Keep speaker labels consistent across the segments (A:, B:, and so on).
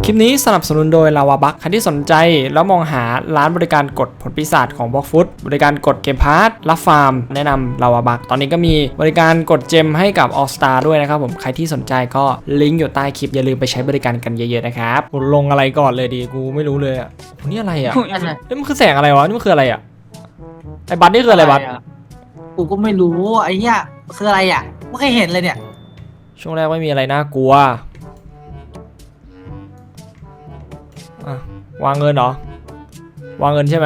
A: คลิปนี้สนับสนุนโดยลาวาบัคใครที่สนใจแล้วมองหาร้านบริการกดผลปีศาจของบล็อกฟุตบริการกดเกมพาร์ทรับฟาร์มแนะนำลาวาบัคตอนนี้ก็มีบริการกดเจมให้กับ All Star ด้วยนะครับผมใครที่สนใจก็ลิงก์อยู่ใต้คลิปอย่าลืมไปใช้บริการกันเยอะๆนะครับกูลงอะไรก่อนเลยดีกูไม่รู้เลยอ่ะนี่อะไรอ่ะนี่มันคือแสงอะไรวะนี่มันคืออะไรอ่ะไอ้บัตนี่คืออะไรบัต
B: กูก็ไม่รู้ไอ้เนี้ยคืออะไรอ่ะไม่เคยเห็นเลยเนี่ย
A: ช่วงแรกไม่มีอะไรน่ากลัววางเงินเหรอวางเงินใช่ไหม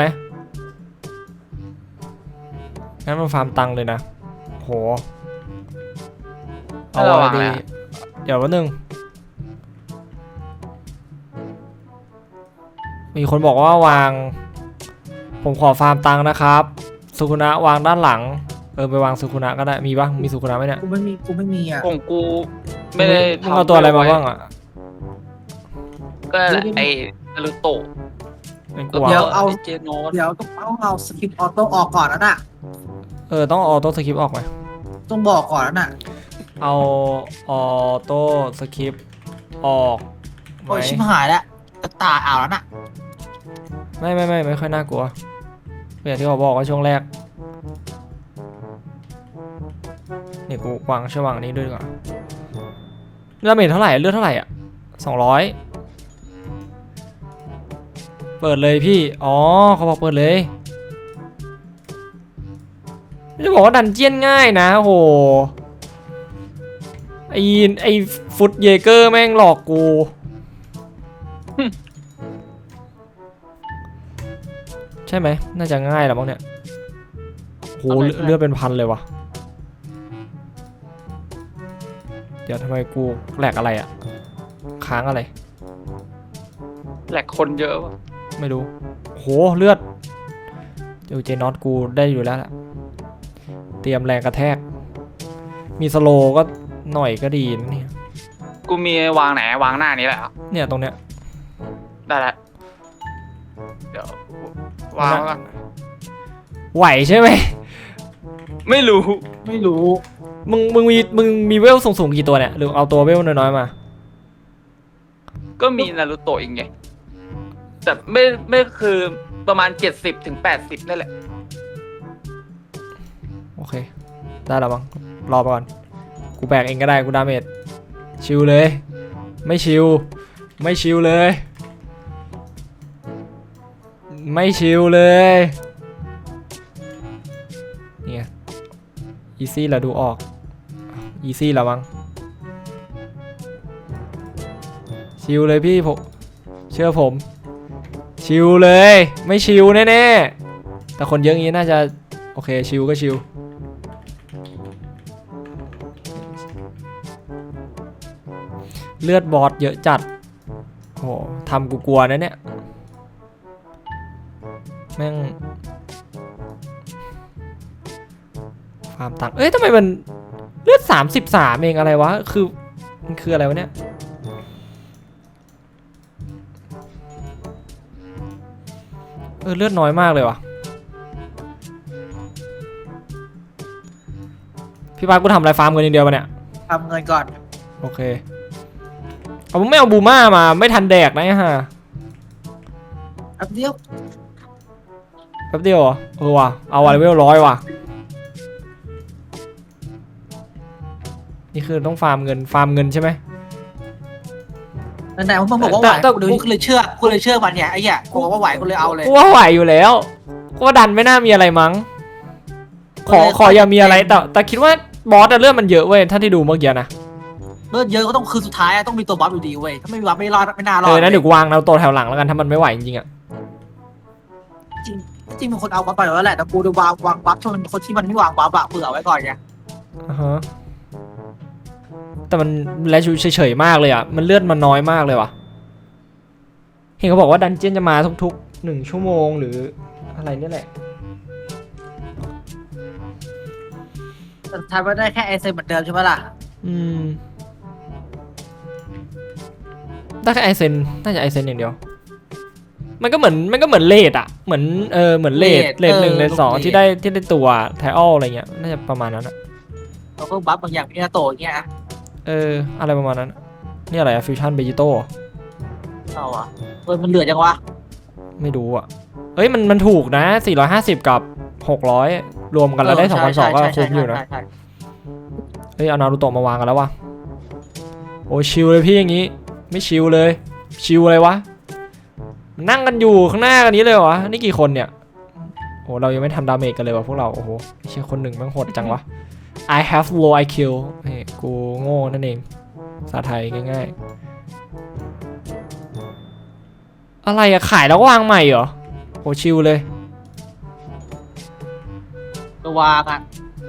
A: งั้นมันฟาร์มตังเลยนะโหเอาอะไรดีเดี๋ยววันหนึ่งมีคนบอกว่าวางผมขอฟาร์มตังนะครับสุคุนะวางด้านหลังไปวางสุคุนะก็ได้มีปะมีสุคุนะไหมเนี่ย
B: กูไม่มีอ่ะ
C: ของกูไม่ได้
A: ทำเอาตัวอะไรมาบ้างอ่ะ
C: ก็ไอ้นารูโตะ
B: เดี๋ยวเอา
C: เจโนส
B: เดี๋ยวต้องเอาสกิปออโต้ออกก่อนแล้วน่ะ
A: ต้องออโต้สคริปต์ออกไหม
B: ต้องบอกก่อนแล้วน่ะ
A: เอาออโต้สคริปต์ออก
B: โอ้ยชิบหายแล้วตาอ่าวแล้วน่ะ
A: ไม่ค่อยน่ากลัวอย่างที่เขาบอกว่าช่วงแรกนี่กูวางช่วงนี้ด้วยก่อนเลือดเมทเท่าไหร่เลือดเท่าไหร่อ่ะ200เปิดเลยพี่เขาบอกเปิดเลยจะบอกว่าดันเจียนง่ายนะโหไอฟุตเยเกอร์แม่งหลอกกูใช่ไหมน่าจะง่ายแล้วมั้งเนี่ยโหเลือดเป็นพันเลยวะเดี๋ยวทำไมกูแหลกอะไรอ่ะค้างอะไร
C: แหลกคนเยอะวะ
A: ไม่รู้โหเลือดเดี๋ยวเจน็อตกูได้อยู่แล้วแหละเตรียมแรงกระแทกมีสโลก็หน่อยก็ดีนะเนี่ย
C: กูมีวางไหนวางหน้านี้แหละ
A: เนี่ยตรงเนี้ย
C: ได้แล้วเดี๋ยววางก่อน
A: ไหวใช่ไหม
C: ไม่รู้
A: มึงมีเวลสูงกี่ตัวเนี่ยหรือเอาตัวเวลน้อยๆมา
C: ก็มีนารูโตะอีกไงแต่ไม่คือประมาณ70 ถึง 80นั่นแหละ
A: โอเคได้แล้วบ้างรอไปก่อนกูแบกเองก็ได้กูดาเมจชิลเลยไม่ชิลเลยไม่ชิลเลยเนี่ยอีซี่แล้วดูออกอีซี่แล้วมั้งชิลเลยพี่ผมเชื่อผมชิลเลยไม่ชิลแน่ๆแต่คนเยอะงี้น่าจะโอเคชิลก็ชิลเลือดบอสเยอะจัดโอ้ทำกูกลัวนะเนี่ยแม่งฟาร์มตังทำไมมันเลือด33เองอะไรวะมันคืออะไรวะเนี่ยเลือดน้อยมากเลยวะพี่ปากูทำอะไรฟาร์มเงินอย่างเดียวมาเนี่ย
B: ทำเงินก่อน
A: โอเคผมไม่เอาบูม่ามาไม่ทันแดกนะฮะ
B: แป๊บเดียว
A: เหรอว่ะเอาเลเวล100ว่ะนี่คือต้องฟาร์มเงินใช่ไหม
B: แต่ผมบอกว่าไหวกูเลยเชื่อมันเนี่ยไอ้เหี้ยกูบอกว่าไหวกูเลยเอาเลย
A: กูว่าไหวอยู่แล้วกูว่าดันไม่น่ามีอะไรมั้งขออย่ามีอะไรแต่คิดว่าบอสเลือดมันเยอะเว้ยถ้าที่ดูเมื่อกี้นะ
B: เลือดเยอะก็ต้องคือสุดท้ายต้องมีตัวบอสอยู่ดีเว้ยถ้าไม่มีบอสไม่รอดไม่น่ารอด
A: นะเดี๋ยววางเราตัวแถวหลังแล้วกันถ้ามันไม่ไหวจริงๆอ่ะ
B: จริงมันคนเอาบอสไปแล้วแหละแต่กูดูวางบัฟชนคนที่มันไม่วางบัฟเผื่อไว้ก่อนไง
A: แต่มันแลชูเฉยๆมากเลยอ่ะมันเลือดมันน้อยมากเลยว่ะเห็นเขาบอกว่าดันเจี้ยนจะมาทุกๆ1 ชั่วโมงหรืออะไรนี่แหละ
B: สุดท้ายมันได้แค่ไอเซนเหมือนเดิมใช่ไหมล่ะ
A: ได้แค่ไอเซนน่าจะไอเซนอย่างเดียวมันก็เหมือนเลดอ่ะเหมือนเหมือนเลด1 เลด 2ที่ได้ตัวไทออลอะไรเงี้ยน่าจะประมาณนั้นอ่ะ
B: เราก็บัฟบางอย่างพินาโตอย่างเงี้ย
A: อะไรประมาณนั้นนี่อะไรอะฟิวชั่นเบจิโต้
B: เอาอะมันเหลือจังวะ
A: ไม่รู้อ่ะเอ้ยมันถูกนะ450กับ600รวมกันแล้วได้2,200ก็คุ้มอยู่นะ
B: ใช่
A: เฮ้ยเอานารูโตะมาวางกันแล้ววะโอ้ชิลเลยพี่อย่างงี้ไม่ชิลเลยชิลอะไรวะนั่งกันอยู่ข้างหน้ากันนี้เลยวะนี่กี่คนเนี่ยโอ้เรายังไม่ทำดาเมจกันเลยวะพวกเราโอ้โหเชี่ยคนหนึ่งแม่งโหดจังวะ I have low IQ เฮ้ยกูโง่นั่นเองภาษาไทยง่ายๆอะไรอะขายแล้ววางใหม่เหรอโอ้ชิลเลย
B: ตัววางอ่ะ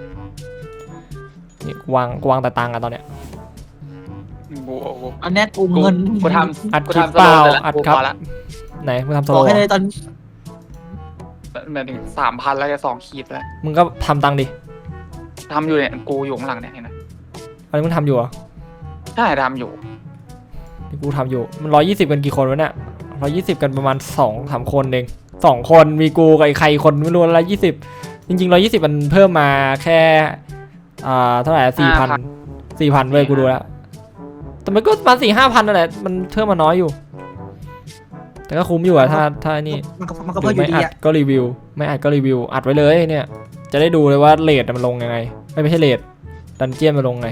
A: นี่กูวางแต่ตังค์อะตอนเนี้ย
C: โอ้โห
B: อันเนี้ยกูเงิน
C: กูท
A: อัด
C: ำกู
A: คลิป
C: ทำส
A: เป
C: โล
A: ล่า
C: ว์เลยละ
A: อัด
C: กู
A: ครับ
C: พอละ
A: ไหนมึงทำส
B: บ
A: โล
B: อก
A: ว์
B: ให้เลยตอน
C: หมายถึง3,000แล้วจะ2 ขีดแล้ว
A: มึงก็ทำตังค์ดิ
C: ทำอยู่เนี่ยกูอยู่ข้างหลังเนี่ยเห็นไหม
A: อันนี้มึงทำอยู่เหรอ
C: ใช่ทำอยู่
A: ที่กูทำอยู่มัน120กันกี่คนวะเนี่ย120กันประมาณ2-3คนเอง2คนมีกูกับไอ้ใครคนไม่รู้120จริงๆ120มันเพิ่มมาแค่เท่าไหร่4,000เว้ยกูดูแล้วแต่มันก็ประมาณ4-5,000นั่นแหละมันเพิ่มมาน้อยอยู่ แต่ก็คุ้มอยู่อะถ้านี่
B: มันก็
A: ห
B: เพิ่
A: รื
B: ม
A: อ
B: อยู่
A: ไม่
B: ดี
A: อัด
B: อ่ะ
A: ก็รีวิวไม่อัดก็รีวิวอัดไว้เลยเนี่ยจะได้ดูเลยว่าเรทมันลงยังไงไม่ใช่เรทดันเจี้ยนมันลงไง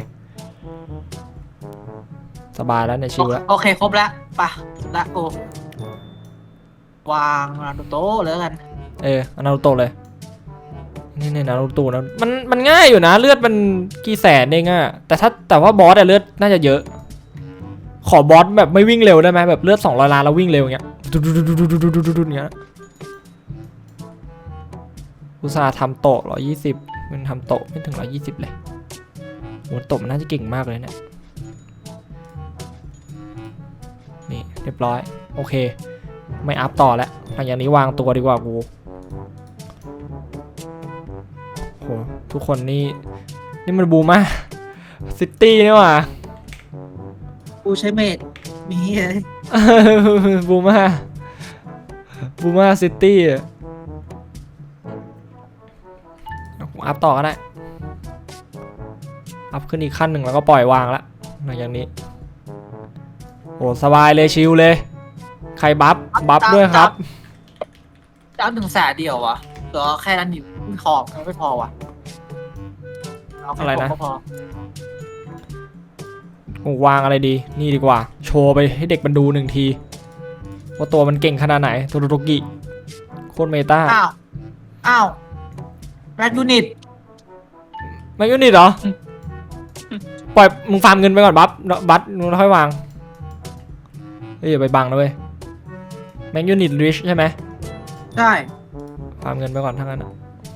A: สบายแล้วเนี่ยชิลแล้ว
B: โอเคครบแล้วป่ะละกูวางนารูโตะแล้วกัน
A: เอานารูโตะเลยนี่นารูโตะนะมันง่ายอยู่นะเลือดมันกี่แสนเองอะแต่ว่าบอสอะเลือดน่าจะเยอะขอบอสแบบไม่วิ่งเร็วได้ไหมแบบเลือด200 ล้านแล้ววิ่งเร็วอย่างเงี้ยดุอย่างเงี้ยอุตส่าห์ทำโตะ120มันทำโตะไม่ถึง120เลยโหโตะมันน่าจะเก่งมากเลยเนี่ยนี่เรียบร้อยโอเคไม่อัพต่อแล้วหลังจากนี้วางตัวดีกว่ากูโหทุกคนนี่มันบูมากซิตี้นี่หว่า
B: กูใช้เมดมีเลย
A: บูมาซิตี้อัพต่อก็ได้อัพขึ้นอีกขั้นหนึ่งแล้วก็ปล่อยวางแล้วหลังจากนี้โอ้สบายเลยชิลเลยใครบัฟด้วยครับ
B: จ้า100,000เดียววะเหลือแค่นั้นอยู่ไม่พอไม่พอวะเอาแค่
A: อะไรนะ
B: ก็พอ
A: วางอะไรดีนี่ดีกว่าโชว์ไปให้เด็กมันดู1 ทีว่าตัวมันเก่งขนาดไหนโทโรโตกิโคตรเมตา
B: อ้าวแรดยูนิต
A: ไม่ยูนิตเหรอปล่อยมึงฟาร์มเงินไปก่อนบัฟมึงค่อยวางเฮ้ยอย่าไปบังนะเว้ยแมงยูนิตริชใช่ไหม
B: ใช่
A: ฟาร์มเงินไปก่อนทั้งนั้นอะ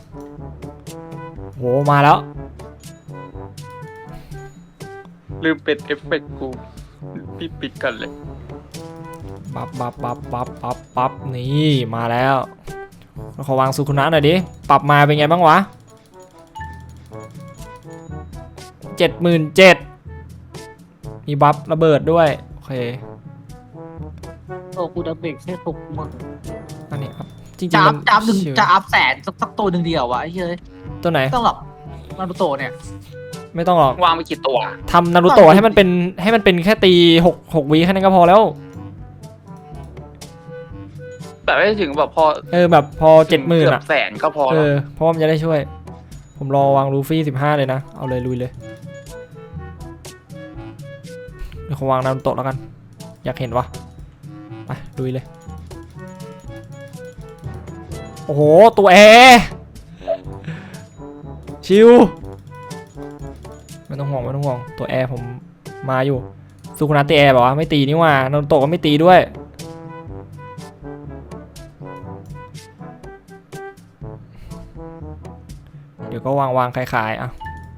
A: โหมาแล้ว
C: ลืมปิดเอฟเฟกต์กูพี่ปิดกันเลย
A: ปั๊บนี่มาแล้วขอวางสุขุนะหน่อยดิปรับมาเป็นไงบ้างวะ77,000มีบัฟระเบิดด้วยโอเค
B: โอ้กูดับเบิลแค่60,000
A: อันนี้ครับจริง
B: จะ
A: ๆ
B: อั
A: มั
B: พ
A: น
B: จะอัพหนึ่ง
A: ชิว
B: จะอัพแสนสักตัวหนึ่งเดียววะไอ้เฮ้ย
A: ตัวไหน
B: ไม่ต้องหรอกนารูโตะเนี่ย
A: ไม่ต้องหรอก
C: วางไปกี่ตัว
A: ทำนารูโตะให้มันเป็นแค่ตี6 วิแค่นั้นก็พอแล้ว
C: แต่ไม่ถึงแบบพอ
A: แบบพอ 70,000
C: เกือ
A: อ่ะ
C: บแสนก็พอแล้ว
A: เพราะว่ามันจะได้ช่วย ผมรอวางลูฟี่15เลยนะเอาเลยลุยเลยเดี๋ยวผมวางนารูโตะแล้วกันอยากเห็นวะไปลุยเลยโอ้โหตัวแอร์ชิวไม่ต้องห่วงตัวแอร์ผมมาอยู่สุคุนะตีแอร์บอกว่าไม่ตีนี่ว่านารูโตะก็ไม่ตีด้วยเดี๋ยวก็วางขายๆ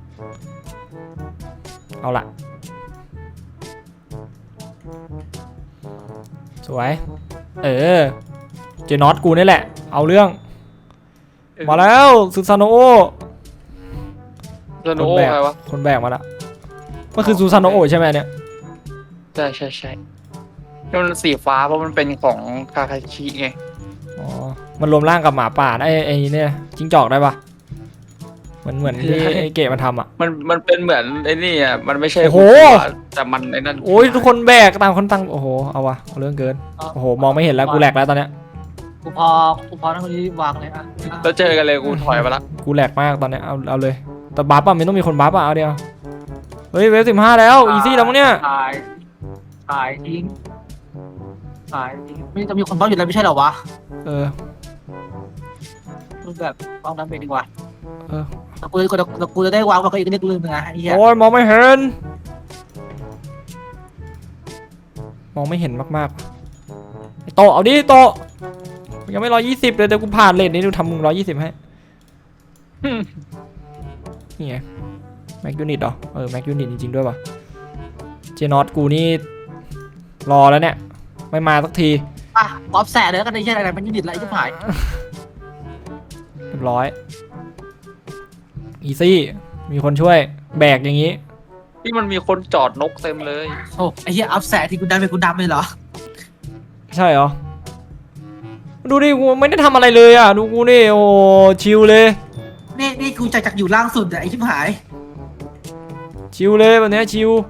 A: เอาละสวยเจน็อตกูนี่แหละเอาเรื่องมาแล้วซูซานโอ
C: โนโอใครวะ
A: คนแบกมาละมันคือซูซานโอใช่ไหมเนี่ย
C: ใช่นี่มันสีฟ้าเพราะมันเป็นของคาคาชิไง
A: อ๋อมันรวมร่างกับหมาป่าไอ้เนี่ยจิ้งจอกได้ปะเหมือนที่ไอ้เก๋มาทำอ่ะ
C: มันเป็นเหมือนไอ้นี่อ่ะมันไม่ใช่
A: โอ้โห
C: แต่มันไอ้นั่น
A: โอ้ยทุกคนแบกต่างคนต่างโอ้โหเอาวะเอาเรื่องเกินโอ้โหมองไม่เห็นแล้วกูแหลกแล้วตอนเนี้ย
B: กูพอนั่งคนนี้วางเลยอ่ะ
C: แล้วเจอกันเลยกูถอยมาละ
A: กูแหลกมากตอนเนี้ยเอาเลยแต่บัฟอ่ะมันต้องมีคนบัฟอ่ะเอาเดียวเฮ้ยเวฟ15แล้วอีซี่แล้วมั้งเนี่ย
B: ขายทิ้งไม่จะมีคนบ้าอยู่แล้วไม่ใช่เหรอวะ
A: เออ
B: รูปแบบวางน้ำไปดีกว่า
A: เออ
B: แล้วกูจะได้วางกับอีกนิดนึงนะไอ้เหี้ย
A: โอ้ยมองไม่เห็นมองไม่เห็นมากๆไอ้โตเอาดิโตยังไม่120เลยเดี๋ยวกูผ่านเลนนี้ดูทำมึง120ให้นี่ไงแม็กยูนิตเหรอแม็กยูนิตจริงๆด้วยป่ะเจนอตกูนี่รอแล้วเนี่ยไม่มาสักที
B: อ่ะออฟแสดเลยกันไอ้เหี้ยอะไรมันยูนิตอะไรที่หาย
A: เรียบร้อยอีซี่มีคนช่วยแบกอย่างนี้
C: ที่มันมีคนจอดนกเต็มเลย
B: โอ้ไอ้เหี้ยออฟแสดที่กูดำเป็นกูดำเลยเหรอ
A: ใช่เหรอดูดิกูไม่ได้ทำอะไรเลยอ่ะดูกูนี่โอ้ชิลเลย
B: นี่กูจากอยู่ล่างสุดอะไอ้ที่หาย
A: ชิลเลยแบบเนี้ยชิล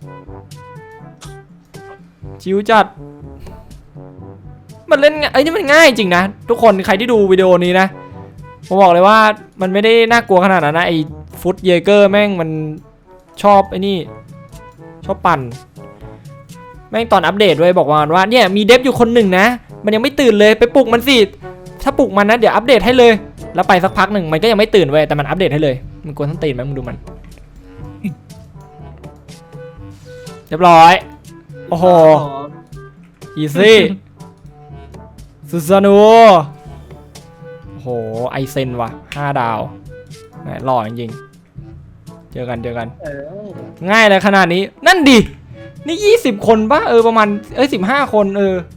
A: จัดมันเล่นไอ้นี่มันง่ายจริงนะทุกคนใครที่ดูวิดีโอนี้นะผมบอกเลยว่ามันไม่ได้น่ากลัวขนาดนั้นนะไอ้ฟุตเยเกอร์แม่งมันชอบไอ้นี่ชอบปั่นแม่งตอนอัปเดตด้วยบอกว่าเนี่ยมีเดฟอยู่คนหนึ่งนะมันยังไม่ตื่นเลยไปปลุกมันสิถ้าปลุกมันนะเดี๋ยวอัปเดตให้เลยแล้วไปสักพักหนึ่งมันก็ยังไม่ตื่นเว้ยแต่มันอัปเดตให้เลยมันกวนทั้งตีนไหมมึงดูมันเรียบร้อยโอ้โหอีซี่ซูซานูโอ้โหไอเซนว่ะ5 ดาวแหมหล่อจริงๆเจอกัน ง่ายเลยขนาดนี้นั่นดินี่20 คนปะประมาณ15 คน